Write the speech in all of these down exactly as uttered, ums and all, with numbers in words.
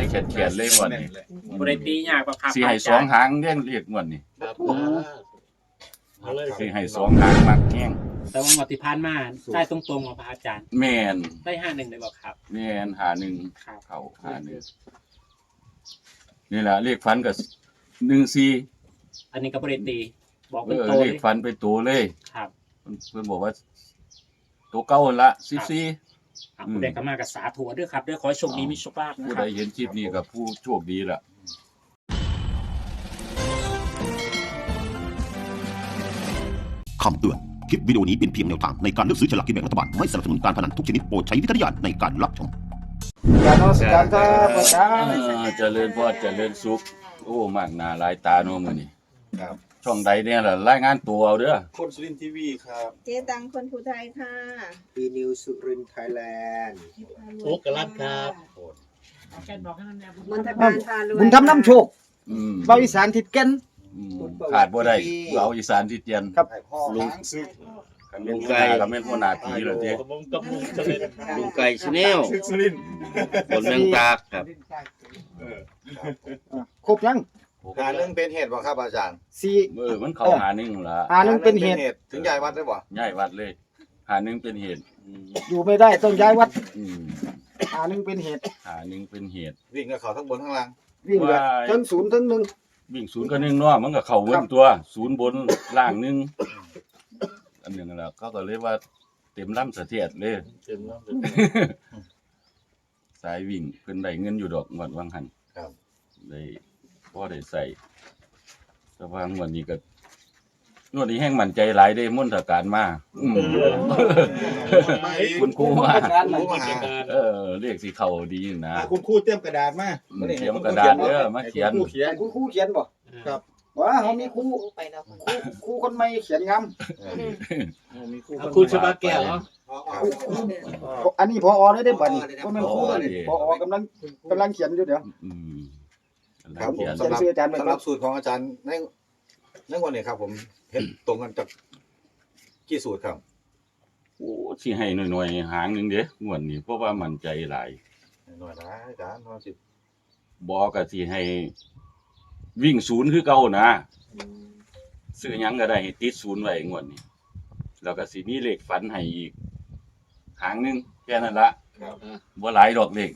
แขนๆเลยงวดนี้บ่ได้ตียากบ่ครับสิให้สองหางเลี้ยงเรียกงวดนี้ครับเอาเลยสิให้สองหางมักแห้งแต่ว่างวดที่ผ่านมาได้ตรงๆของพระอาจารย์แม่นได้ห้าหนึ่งเลยบ่ครับแม่นหาหนึ่งครับเข้าหาหนึ่งนี่ล่ะเลขฝันก็หนึ่งสี่อันนี้ก็บ่ได้ตีบอกเอเป็นอโตเลเลขยฝันไปตัวเลยครับเพิ่นเพิ่นบอกว่าตัวเก่าหั่นละสิบสี่อ่ะผู้ใดก็มากับสาธุด้วยครับด้วยขอให้โชคดีมีโชคลาภนะผู้คใดรับเห็นคลิปนี้กับผู้โชคดีล่ะคำเตือน คลิปวิดีโอนี้เป็นเพียงแนวทางในการเลือกซื้อฉลากกินแบ่งรัฐบาล ไม่สนับสนุนการพนันทุกชนิดโปรดใช้วิจารณญาณในการรับชมการนมัสการครับอาจารเอย์อเจริญพรเจริญสุขโอ้มากหน้าหลายตาเนาะมื้อนี้ครับช่องใดเนี่ยล่ะรายงานตัวเอาเด้อคนสุรินทร์ทีวีครับเจ๊ตังคนภูไทยค่ะปีนิวสุรินทร์ไทยแลนด์โอ๊กกะลัดครับมนทการพารวยบุญทำน้ำโชคอืมเบาอีสานทิดแก่นอืมขาดบ่ได้เอาอีสานที่เตียนครับลุงซึกคันลุงไก่ก็แม่นหัวหน้าผีแล้วเด้กับผมกับลุงสุรินทร์ลุงไก่ชาแนลซึกสุรินทร์บนเมืองตากครับเอออ่ะครบยังหาเรื่องเป็นเหตุบ่ครับอาจารย์สี่เออมันเข้าหาหนึงล่ะหาหนึ่งเป็นเหตุถึงย้ายวัดได้บ่ย้ายวัดเลย หาหนึงเป็นเหตุอืมอยู่ไม่ได้ต้องย้ายวัดอืมหาหนึ่งเป็นเหตุหาหนึงเป็นเหตุวิ่งกับเขาทั้งบนทั้งล่างวิ่งแบบว้ายทั้งศูนย์ทั้งหนึ่งวิ่งศูนย์กับหนึ่งเนาะมันก็เข้าเวินตัว ศูนย์บนล่างหนึงอันหนึงแล้วเขาก็เลยว่าเต็มลำเสถียรเลยเต็มแล้วสายวิ่งเพิ่นได้เงินอยู่ดอกงวดวังหันครับได้พอได้ใส่แต่ว่างวดนี้ก็งวดนี้แห้งมั่นใจหลายได้มนตการมาอืมคุณครูมารู้มาหาเออเรียกสิเข้าดีนะอ่ะคุณครูเตรียมกระดาษมาอืมเตรียมกระดาษเด้อมาเขียนให้คุณครูเขียนคุณครูเขียนบ่ครับว่าเขามีครูไปแล้วครูครูคนใหม่เขียนงามมีครูคุณชบาแก้วเหรออันนี้พอเลยได้อบัดนี้ก็แม่นครูเลยพอกำลังกำลังเขียนอยู่เดี๋ยวอืมครับผเขีมยนสำหรับเขียนชื่ออาจารย์ไว้ก่อนสำหรับสูตรของอาจารย์ในในวันนี้ครับ ผมเห็นตรงกันจากกี่สูตรครับโอ้สิให้หน่อยๆหางหนึงเด้งวดนี้เพราะว่ามั่นใจหลายหน่อยนะอาจารย์พอสิบอกก็สิให้วิ่งศูนย์คือเก่านะซื้อหยังก็ได้ให้ติดศูนย์ไว้งวดนี้แล้วก็สิมีเลขฝันให้อีกหางหนึงแค่นั้นละครับบ่หลายดอกเลข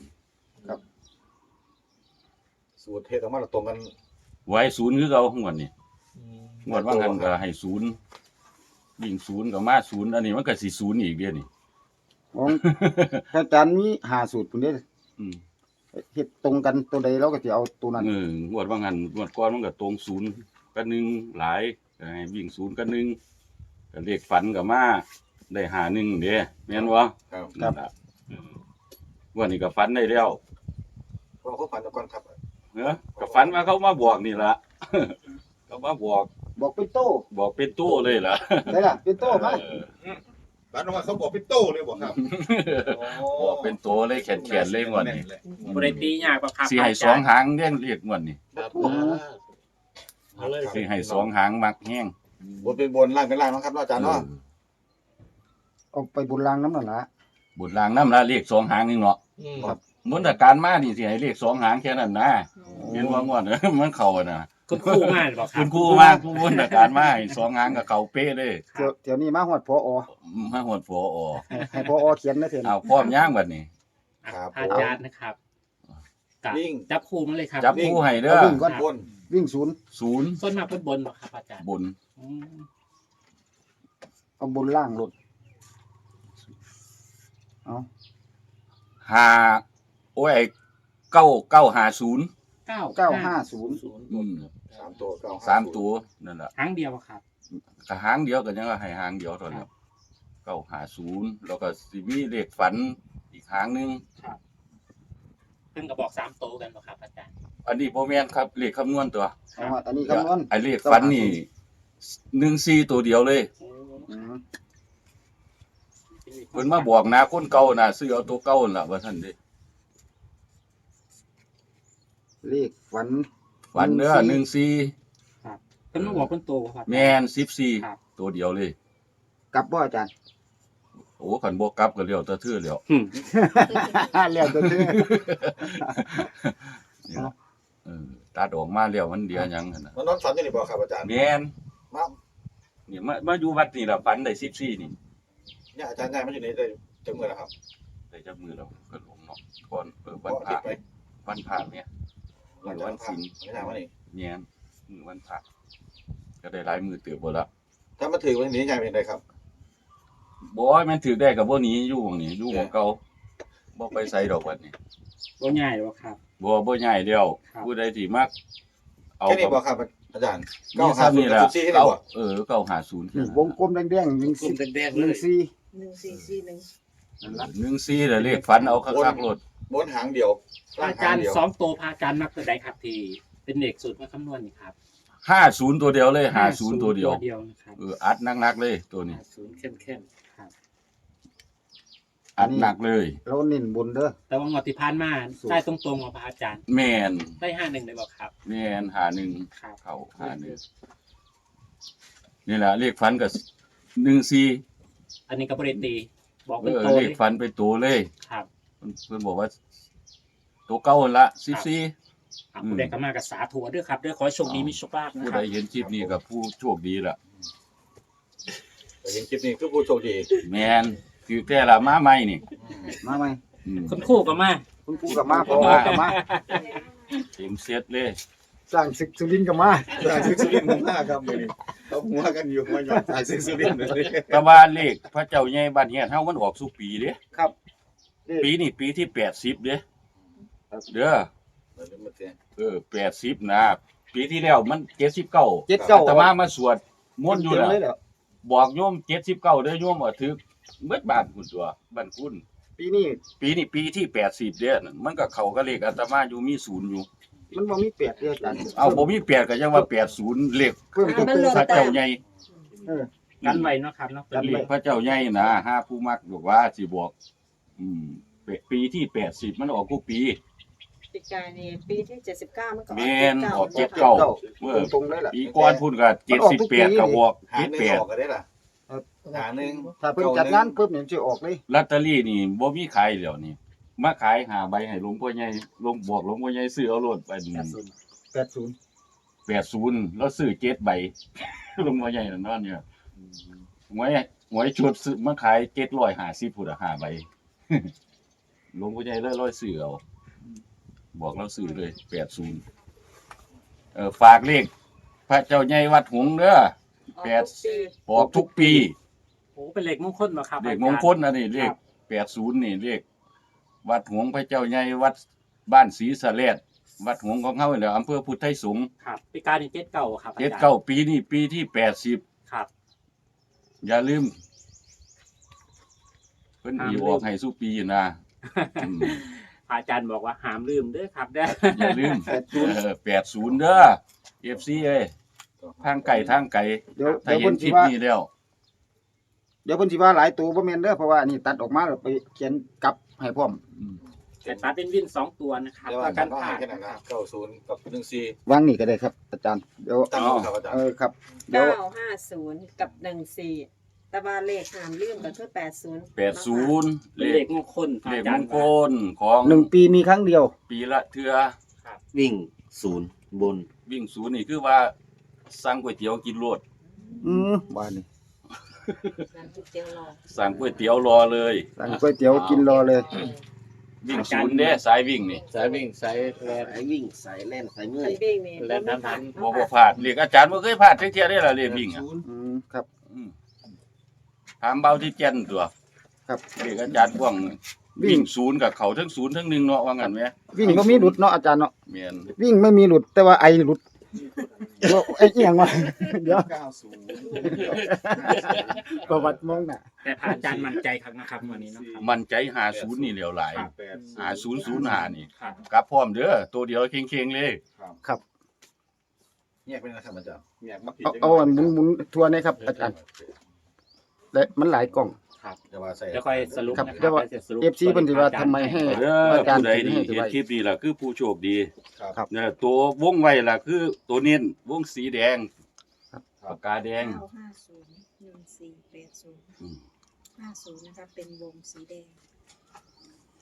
สูตรเฮ็ดออกมาแล้วตรงกันไว้ศูนย์คือเก่างวดนี้งวดว่างั้นก็ให้ศูนย์วิ่งศูนย์ก็มาศูนย์อันนี้มันก็สิศูนย์อีกเด้อนี่ของอาจารย์มีห้าสูตรพุ่นเด้ออืมเฮ็ดตรงกันตัวใดเราก็สิเอาตัวนั้นเอองวดว่างั้นงวดก่อนมันก็ตรงศูนย์กับหนึ่งหลายก็ให้วิ่งศูนย์กับหนึ่งก็เลขฝันก็มาได้หาหนึ่งเด้แม่นบ่ครับนั่นล่ะเออวันนี้ก็ฝันได้แล้วพอเขาฝันก่อนครับเนอะก็ฝันว่าเขามาบอกนี่ล่ะ เขามาบอกบอกเป็นโต้บอกเป็นตู้เลยล่ะได้ล่ะเป็นโต้มาเออบ้านว่าเขาบอกเป็นโต้เลยบอกครับบอกเป็นตัวเลยแขนๆเลยงวดนี้บ่ได้ตียากบ่ครับสิให้สองหางเลี้ยงเรียกงวดนี้ครับเอาเลยสิให้สองหางมักแห้งบนเป็นบนล่างเป็นล่างเนาะครับเนาะอาจารย์เนาะเอาไปบุญรางน้ำนั่นล่ะบุญลางน้ำละเรียกสองหางนึงเนาะอืมมนตการมานี่สิให้เรียกสองหางแค่นั้นนะเห็นว่างวด มันเข้าอะนะคุณครูมาบ่ครัคุบณครูมาผู้มนตการมาให้สองหางกับเขาเป๊ะเลยเดี๋ยวเดี๋ยวนี้มาฮอดพอมาหดฝออให้ให้พอเขียนนะเถอะเอาพร้อมย่างบัดนี้ครับอาจารย์นะครับกับวิ่งจับคู่มาเลยครับจับคู่ให้เด้อเอาวิ่งก่อนบนวิ่งศูนย์ศูนย์ส่วนมากเป็นบนบ่ครับอาจารย์บนอืมเอาบนล่างลดเอาหาโอ้ยเก้าเก้าหาศูนย์เก้าเก้าห้าศูนย์อืมสามตัวเก้สามตัวนั่นแหละครั้งเดียวอะครับก็หางเดียวกันยังว่าให้หางเดียวเท่านั้นเก้าหาศูนย์แล้วก็สิมีเลขฝันอีกหางหนึงเพิ่นก็บอกสามโตกันบ่ครับอาจารย์อันนี้บ่แม่นครับเลขคำนวณตัวเอาฮอดอันนี้คำนวณไอ้เลขฝันนี่หนึ่งสี่ตัวเดียวเลยอืมเพิ่นมาบอกนะคนเก่าน่ะซื้อเอาตัวเก่านั่นล่ะว่าซั่นเด้เลขฝันฝันเด้อหนึ่งสี่เพิ่นมาบอกเป็นโตบ่ครับแม่นสิบสี่ครับตัวเดียวเลยกลับบ่อาจารย์โอ้คันบ่กลับก็เลี้ยวแตะทื่อแล้วเรียกตัวชื่อตัดออกมาแล้วมันเดียวหยังหั่นน่ะมันนอนฝันอยู่นี่บ่ครับอาจารย์แม่นมานี่มามาอยู่วัดนี่ล่ะฝันได้สิบสี่นี่เนี่ยอาจารย์ย้ายมาอยู่นี่ได้จังมื้อแล้วครับได้จับมือเราก็หลงเนาะก่อนเออวัวัน นอาพทิระตย์ไปวันพระเนี่ยมือวันศีลไม่น่ามานี่แม่นมือวันพระก็ได้หลายมือเติบบ่ละถ้ามาถือวันนี้ย้ายเป็นไดครับบ่ให้มันถือได้ก็บ่หนีอยู่หม้องนี้อยู่หม้องเก่าบ่ไปไสดอกวัดนี้บ่ง่ายหรอกครับบ่บ่ย้ายแล้วครับผู้ใดที่มักเอาแค่นี้บ่ครับอาจารย์เก้าเก้าห้าห้าศูศูนนย์ย์นี่กับล่ะสิบสี่ที่เก้านี่บ่เออเก้าห้าศูนย์นี่วงกลมแดงๆหนึ่งกลุ่สี่มแดงๆหเลนึ่งยสี่หนึ่งสี่สี่หนึ่งนั่นละหนึ่งสี่แล้วเลขฝันเอาคักๆโลดบนหางเดียวล่างอาหาจาง รย์เดียวสองตัวพระอาจารย์มักตัวใดครับที่เป็นเด็กสูตรมาคำนวณนี่ครับห้าศูนย์ตัวเดียวเลยห้าศูนย์ตัวเดียวตัวเดียวนะครับเอออัดหนักๆเลยตัวนี้ห้าศูนย์เข้มๆครับอัดหนักเลยเราเน้นบนเด้อแต่ว่างวดที่ผ่านมาได้ตรงๆของพระอาจารย์แม่นได้ห้าหนึ่งเลยบอกครับแม่นหาหนึ่งครับเข้าหาหนึ่งนี่แหละเลขฝันก็หนึ่งสี่อันนี้ก็บริตีบอกเอเป็นอโตเลเลขยฝันไปตัวเลยครับเพิ่นเพิ่นบอกว่า ตัวเก่าหั่นละสิบสี่อ่ะผู้ใดก็มากับสาธุด้วยครับด้วยขอให้โชคดีมีโชคลาภนะผู้คใดรับเห็นคลิปนี้กับผู้โชคดีล่ะแต่เห็นคลิปนี้คือผู้โชคดีแมนคือแต่ละมาใหม่นี่มาไหมอืมคุณครู่ก็มาคุณครูกับมาพอกับมาเต็มเซตเลยสร้างศึกสุรินทร์กับมาสายซิกสุรินทร์ผมมาครับมื้อนี้เขาหัวกันอยู่มาหยอดสายซิกสุรินทร์เลยแต่ว่าเลขพระเจ้าใหญ่บ้านเฮียนเฮามันออกสู่ปีเด้ครับปีนี้ปีที่แปดสิบเด้เด้อเหมือนเมื่อกี้เออแปดสิบนะ ปีที่แล้วมันเจ็ดสิบเก้าเจ็ดเก้าอาตมามาสวดมนต์อยู่เต็มน่ะเลยเหรอบอกโยมเจ็ดสิบเก้าเด้อโยมว่าถึกเบิดบ้านคุณตัวบ้านคุณปีนี้ปีนี้ปีที่แปดสิบเด้อนั่นมันก็เข้ากับเลขอาตมาอยู่มีศูนย์อยู่มันบ่มีแปดเด้ออาจารย์เอาบ่มีแปดก็ยังว่าแปดศูนย์เลขเพิ่มตัวมันลงพระแต้เจ้าม ใหญ่เออกันไว้เนาะครับเนาะเลขพระเจ้าใหญ่นะห้าผู้มักบอกว่าสิบอกอืมปีที่แปดสิบมันออกทุกปีปีกายนี่ปีที่เจ็ดสิบเก้ามันก็แม่นออกเจ็ดเก้าเก้า เมื่อตรงๆเลยล่ะปีก่อนพุ่นก็เจ็ดสิบแปดก็บอกหาเจ็ดหนึ่งแปดออกก็ได้ล่ะหาหนึ่งถ้าเพิ่นจัดงานปุ๊บเนี่ยสิออกเลยลอตเตอรี่นี่บ่มีขายแล้วนี่มาขายหาใบให้หลวงพ่อใหญ่หลวงบอกหลวงพ่อใหญ่ซื้อเอาโลดไปแปดศูนย์แปดศูนย์แล้วซื้อเจ็ดใบ หลวงพ่อใหญ่นั่นว่าเนี่ยหวยหวยชุดซื้อมาขายเจ็ดร้อยห้าสิบพุ่นอ่ะห้าใบ หลวงพ่อใหญ่เลยร้อยซื้อเอาบอกเราซื้อเลยแปดศูนย์เออฝากเลขพระเจ้าใหญ่วัดหงส์เด้อ แปด บอกทุกปีโอ้เป็นเลขมงคลมาครับเลขมงคลอันนี้เลขแปดศูนย์นี่เลขวัดหงส์พระเจ้าใหญ่วัดบ้านศรีสะเลดวัดหงส์ของเฮานี่แหละอำเภอพุทธไทยสงฆ์ครับปีกายนี่เจ็ดเก้าครับอจรเจ็ดย์เก้าปีนี้ปีที่แปดสิบครับอย่าลืมเพิ่นอีออกให้สู้ปีนะอืมพระอาจารย์บอกว่าห้ามลืมเด้อครับเด้ออย่าลืมแปดศูนย์เด้อ เอฟ ซี เอ้ยทางไก่ทางไก่เดี๋ยวถ้าเดี๋ยวเห็เพิ่นนคสิลิปว่านี้แล้วเดี๋ยวเพิ่นสิว่าหลายตัวบ่แม่นเด้อเพราะว่าอันนี้ตัดออกมาแล้วไปเขียนกลับให้พร้อมอืมแต่ตัดเป็นวินสองตัวนะครับเดี๋ยวอากัจารนย์ก็ผ่าให้นแค่นั้นนะเก้าศูนย์กับหนึ่งสี่วางนี่ก็ได้ครับ อาจารย์เดี๋ยวตั้งเอาครับอาจารเอย์อครับเดี๋ยวเก้าห้าศูนย์กับหนึ่งสี่แต่ว่าเลขหามลืมก็คือแปดศูนย์แปดศูนย์เป็เลนเลขขมงคลพระเลอาขจาม รงย์คลของหนึ่งปีมีครั้งเดียวปีละเทือวิ่งศูนย์บนวิ่งศูนย์นี่คือว่าสั่งก๋วยเตี๋ยวกินโลดอืมบ้านนี่นั่นคือเจียวรอสั่งก๋วยเตี๋ยวรอเลยสั่งก๋วยเตี๋ยวกินรอเลยวิ่งศูนย์เด้สายวิ่งนี่สายวิ่งสายแลนสายวิ่งสายแล่นสายเมื่คัอยนวิ่งนี่และนั้นนั้นบ่บ่พลาดเรียกอาจารย์บ่เคยพลาดจักเที่ยได้ล่ะเรียกวิ่งอ่ะอืมครับอืมถามเบาที่แก่นตัวครับเรียกอาจารย์พ่วงวิ่งศูนย์กับเขาทั้งศูนย์ทั้งหนึ่งเนาะว่างั้นไหมวิ่งบ่มีหลุดเนาะอาจารย์เนาะแม่นวิ่งไม่มีหลุดแต่ว่าไอหลุดเดี๋ยวไอ้เอียงวะเดี๋ยวเก้าศูนย์ประวัติมองน่ะแต่พระอาจารย์มั่นใจครับนะครับวันนี้เนาะครับมั่นใจหาศูนย์นี่เหลียวหลายแปดหาศูนย์ศูนย์หานี่ครับกลับพร้อมเด้อตัวเดียวเค็งๆเลยครับแยกเป็นนะครับอาจารย์เนี่ยมาผิดเอาเอาอันหมุนหมุนทัวร์หนะครับอาจารย์และมันหลายกล่องจะว่าใส่เดี๋ยวค่อยสรุปครับนะคเดี๋รัยวว่าดี๋ยวจะสรุปเอฟซีเพิ่นสิว่าทำไมให้เด้ออาจารย์ผู้ใดถึงนี่ให้เห็นไว้คลิปนี้ล่ะคือผู้โชคดีครับเนี่ยตัววงไว้ล่ะคือตัวเน้นวงสีแดงปากกาแดงเก้าห้าศูนย์หนึ่งสี่แปดศูนย์อืมห้าศูนย์นะคะเป็นวงสีแดง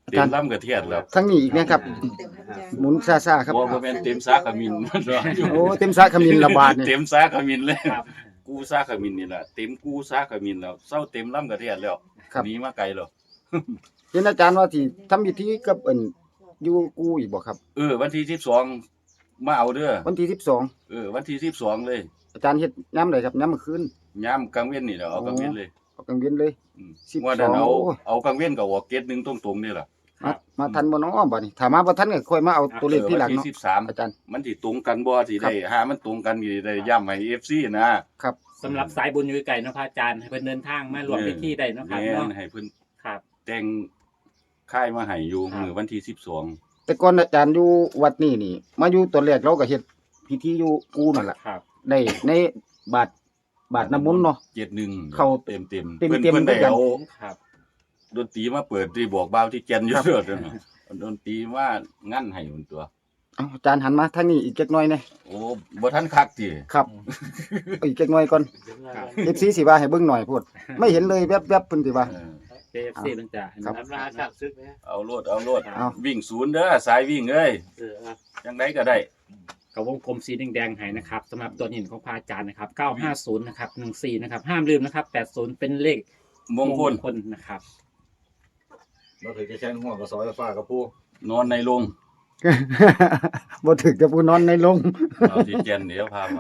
เต็มลำกระเทียดแล้วทั้งนี้อีกนะครับเต็มครับอาจารย์หมุนซ่าๆครับบ่บ่แม่นเต็มซากขมิ้นมันรออยู่โอ้เต็มสาขมิ้นระบาดนี่เต็มซากขมิ้นเลยครับกูซากขมิ้นนี่ล่ะเต็มกูซากขมิ้นแล้วเซาเต็มลำกระเทียดแล้วหนีมาไกลแล้วเห็นอาจารย์ว่าที่ทำพิธีกับเอิ้นอยู่กูอีกบ่ครับเออวันที่สิบสองมาเอาเด้อวันที่สิบสองเออวันที่สิบสองเลยอาจารย์เฮ็ดยามใดครับยามมื้อคืนยามกลางเว้นนี่แหละเอากลางเว้นเลยเอากลางเวียนเลยอืมสิบสองว่านั้นเอาโอ้เอากลางเว้นก็ออกเกตหนึงตรงๆนี่ล่ะมามาทันบ่น้อบัดนี้ถ้ามาบ่ทันก็ค่อยมาเอาตัวเลขที่หลังวันเนาะที่สิบสามอาจารย์มันสิตรงกันบ่สิได้หามันตรงกันสิได้ย้ำให้ เอฟ ซี นะครับสำหรับสายบุญอยู่ไกลเนาะพระอาจารย์ให้เพิ่นเดินทางมารวมพิธีได้เนาะครับแม่เนาะนให้เพิ่นครับแต่งค่ายมาให้อยู่ครับมื้อวันที่สิบสองแต่ก่อนอาจารย์อยู่วัดนี่นี่ มาอยู่ตอนแรกเราก็เฮ็ดพิธีอยู่กูนั่นล่ะครับได้ในบาทบาทน้ำมนต์เนาะเจ็ดหนึ่งเข้าเต็มเต็มๆเต็มๆเพิ่นเพิ่นได้ด้วยกันเอาครับดนตรีมาเปิดที่บอกบ่าวที่แก่นอยู่เด้อเด้อเนาะเอาดนตรีมางั้นให้มันตัวเอาอาจารย์หันมาทางนี้อีกจักหน่อยแหน่โอ้บ่ทันคักติครับเอาอีกจักหน่อยก่อนครับเอฟซีสิว่าให้เบิ่งหน่อยพูดไม่เห็นเลยแวบๆเพิ่นสิว่าเออเอฟซีมันจะครับน้ำราชาซึกนะเอาโลดเอาโลดเอาวิ่งศูนย์เด้อสายวิ่งเอ้ยเออครับจังไดก็ได้กับวงกลมสีแดงๆให้นะครับสำหรับตัวหินของพระอาจารย์นะครับเก้าห้าศูนย์นะครับหนึ่งสี่นะครับห้ามลืมนะครับแปดศูนย์เป็นเลขมงคลคลนะครับเราถือจะแช่งหัวกับซอยฟ้ากับผู้นอนในโรงบ่ถึกจะผู้นอนในโรงเอาที่แก่นเดี๋ยวพามา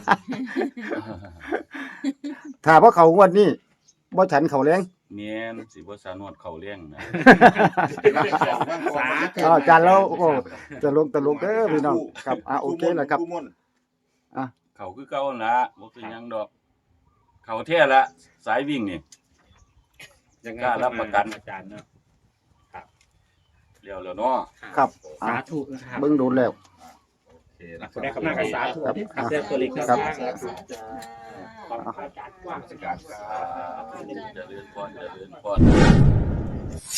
ถ้าบ่เข้างวดนี้บ่ฉันเข้าแรงแม่นสิบ่สานวดเข้าเลี้ยงนะสาธุอ้าวอาจารย์แล้วโอ้ตลกตลกเด้อพี่น้องครับอ่ะโอเคแล้วครับผู้ม่วนเขาคือเก่าหั่นละบ่คือหยังดอก เขาแท้ละสายวิ่งนี่ยังไงกล้ารับประกันอาจารย์เนาะเร็วแล้วเนาะครับอ่ะสาธุนะครับเบิ่งโดนแล้วโอเคนะคได้รับคำนากับสาธุครับครับเรื่องตัวเล็กครับครับขอบคุณพระอาจารย์กว้างราชการครับเจริญพรเจริญพร